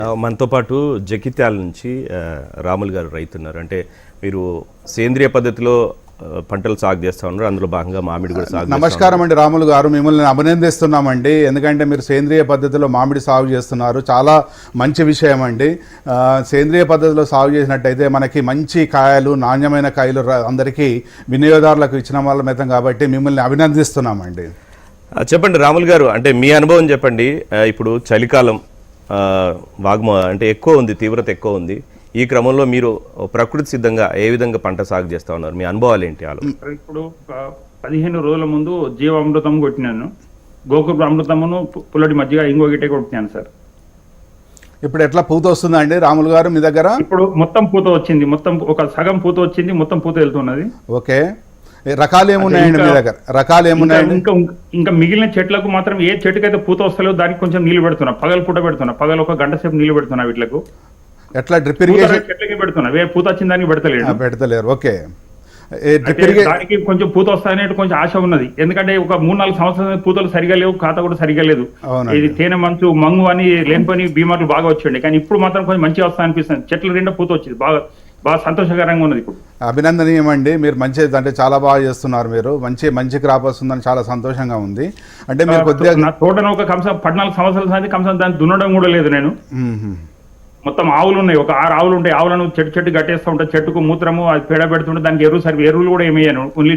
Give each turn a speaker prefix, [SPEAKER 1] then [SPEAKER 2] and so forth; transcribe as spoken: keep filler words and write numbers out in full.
[SPEAKER 1] ఆ, మనతో పాటు జగిత్యాల నుంచి ఆ, రాములు గారు రైతున్నారు. అంటే మీరు సేంద్రియ పద్ధతిలో ఆ, పంటలు సాగు చేస్తా ఉన్నారు, అందులో భాగంగా మామిడి కూడా సాగు చేస్తా
[SPEAKER 2] నమస్కారం అండి రాములు గారు, మిమ్మల్ని అభినందిస్తున్నామండి. ఎందుకంటే మీరు సేంద్రియ పద్ధతిలో మామిడి సాగు చేస్తున్నారు, చాలా మంచి విషయం అండి. ఆ, సేంద్రియ పద్ధతిలో సాగు చేసినట్టయితే మనకి మంచి కాయలు, నాణ్యమైన కాయలు ర- అందరికీ వినియోగదారులకు ఇచ్చిన వాళ్ళమైతాం కాబట్టి మిమ్మల్ని అభినందిస్తున్నామండి.
[SPEAKER 1] ఆ, చెప్పండి రాములు గారు, అంటే మీ అనుభవం చెప్పండి. ఆ, ఇప్పుడు చలికాలం ఆ, వాగ్మ అంటే ఎక్కువ ఉంది, తీవ్రత ఎక్కువ ఉంది. ఈ క్రమంలో మీరు ప్రకృతి సిద్ధంగా ఏ విధంగా పంట సాగు చేస్తా ఉన్నారు, మీ అనుభవాలు ఏంటి? ఆలో
[SPEAKER 3] ఇప్పుడు ఒక పదిహేను రోజుల ముందు జీవామృతం కొట్టినాను, గోకుల అమృతమును పు- పుల్లటి మజ్జిగ ఇంకో గిట్టే కొట్టినాను సార్.
[SPEAKER 2] ఇప్పుడు ఎట్లా పూత వస్తుందండి రాములు గారు మీ దగ్గర?
[SPEAKER 3] ఇప్పుడు మొత్తం పూత వచ్చింది, మొత్తం ఒక సగం పూత వచ్చింది, మొత్తం పూత వెళ్తున్నది.
[SPEAKER 2] ఓకే, ఏ రకాలు ఏమున్నాయండి మీ
[SPEAKER 3] ఇంకా-
[SPEAKER 2] దగ్గర? రకాలు
[SPEAKER 3] ఇంకా
[SPEAKER 2] ఏమున్నాయండి?
[SPEAKER 3] ఇంకా ఇంకా మిగిలిన చెట్లకు మాత్రం ఏ చెట్టుకైతే పూత వస్తలేదో దానికి కొంచెం నీళ్లు పెడుతున్నా, పగలు పూట పెడుతున్నా, పగలు ఒక గంట సేపు నీళ్లు పెడుతున్నా వీటిలకు.
[SPEAKER 2] ఎట్లా డ్రిప్
[SPEAKER 3] పూత
[SPEAKER 2] ఇరిగేషన్
[SPEAKER 3] చెట్లకి పెడుతున్నా, వే పూత వచ్చిన దానికి పెడతలేడు.
[SPEAKER 2] పెడతలేరు? ఓకే, ఏ డ్రిప్
[SPEAKER 3] అంటే
[SPEAKER 2] ఇరిగేషన్
[SPEAKER 3] దానికి కొంచెం పూత వస్తాయనే కొంచెం ఆశ ఉన్నది. ఎందుకంటే ఒక మూడు నాలుగు సంవత్సరాల పూతలు సరిగా లేవు, ఖాతా కూడా సరిగా లేదు.
[SPEAKER 2] అవునండి.
[SPEAKER 3] ఇది తేనె మంచు, మంగు అని లేనిపోని బీమార్లు బాగా వచ్చండి, కానీ ఇప్పుడు మాత్రం కొంచెం మంచిగా వస్తా అనిపిస్తుంది. చెట్ల నిండా పూత వచ్చింది, బాగా బాగా సంతోషకరంగా ఉన్నది ఇప్పుడు.
[SPEAKER 2] అభినందనీయం అండి, మీరు మంచి అంటే చాలా బాగా చేస్తున్నారు. మీరు మంచి మంచి క్రాప్ వస్తుందని చాలా సంతోషంగా ఉంది. అంటే మీరు కొద్దిగా
[SPEAKER 3] నా తోటను ఒక కంసం పద్నాలుగు సంవత్సరాల సంది కంసం దాన్ని దున్నడం కూడా లేదు నేను.
[SPEAKER 2] మ్మ్.
[SPEAKER 3] మొత్తం ఆవులు ఉన్నాయి, ఒక ఆరు ఆవులు ఉంటాయి. ఆవులను చెట్టు చెట్టు కట్టేస్తూ ఉంటాయి, చెట్టుకు మూత్రము అది పేడ పెడుతుంటే దానికి ఎరువు సరి ఎరువులు కూడా ఏమయ్యాను. ఓన్లీ